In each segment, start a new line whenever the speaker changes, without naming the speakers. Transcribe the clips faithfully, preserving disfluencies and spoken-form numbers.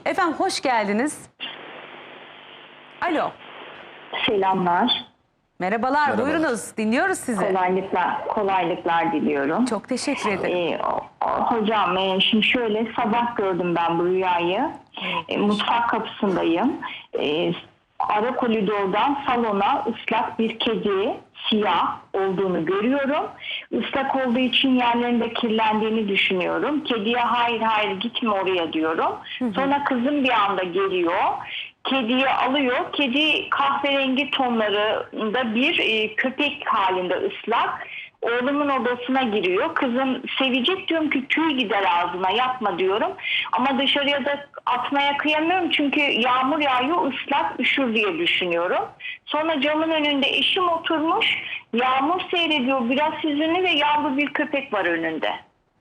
Efendim hoş geldiniz. Alo.
Selamlar.
Merhabalar,
Merhabalar.
buyurunuz. Dinliyoruz sizi.
Kolaylıklar, kolaylıklar diliyorum.
Çok teşekkür ederim.
Ee, o- o- hocam e, şimdi şöyle sabah gördüm ben bu rüyayı. E, mutfak kapısındayım. E, ara koridordan salona ıslak bir kedi, siyah olduğunu görüyorum. Islak olduğu için yerlerinde kirlendiğini düşünüyorum. Kediye hayır hayır gitme oraya diyorum. Sonra kızım bir anda geliyor. Kediyi alıyor. Kedi kahverengi tonlarında bir e, köpek halinde ıslak. Oğlumun odasına giriyor. Kızım sevecek diyorum ki tüy gider ağzına yapma diyorum. Ama dışarıya da atmaya kıyamıyorum çünkü yağmur yağıyor ıslak üşür diye düşünüyorum. Sonra camın önünde eşim oturmuş. Yağmur seyrediyor biraz hüzünlü ve yavru bir köpek var önünde.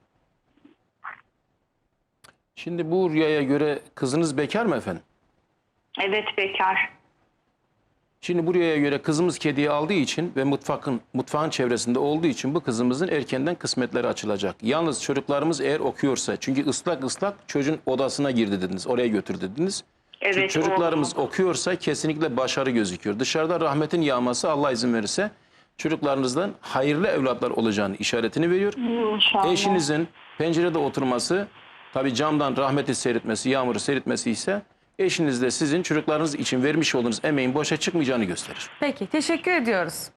Şimdi bu rüyaya göre kızınız bekar mı efendim?
Evet bekar.
Şimdi bu rüyaya göre kızımız kediyi aldığı için ve mutfakın mutfağın çevresinde olduğu için bu kızımızın erkenden kısmetleri açılacak. Yalnız çocuklarımız eğer okuyorsa, çünkü ıslak ıslak çocuğun odasına girdi dediniz, oraya götür dediniz.
Evet,
Çünkü çocuklarımız
oğlum.
okuyorsa kesinlikle başarı gözüküyor. Dışarıda rahmetin yağması Allah izin verirse çocuklarınızdan hayırlı evlatlar olacağını işaretini veriyor.
İnşallah.
Eşinizin pencerede oturması, tabii camdan rahmeti seyretmesi, yağmuru seyretmesi ise eşiniz de sizin çocuklarınız için vermiş olduğunuz emeğin boşa çıkmayacağını gösterir.
Peki, teşekkür ediyoruz.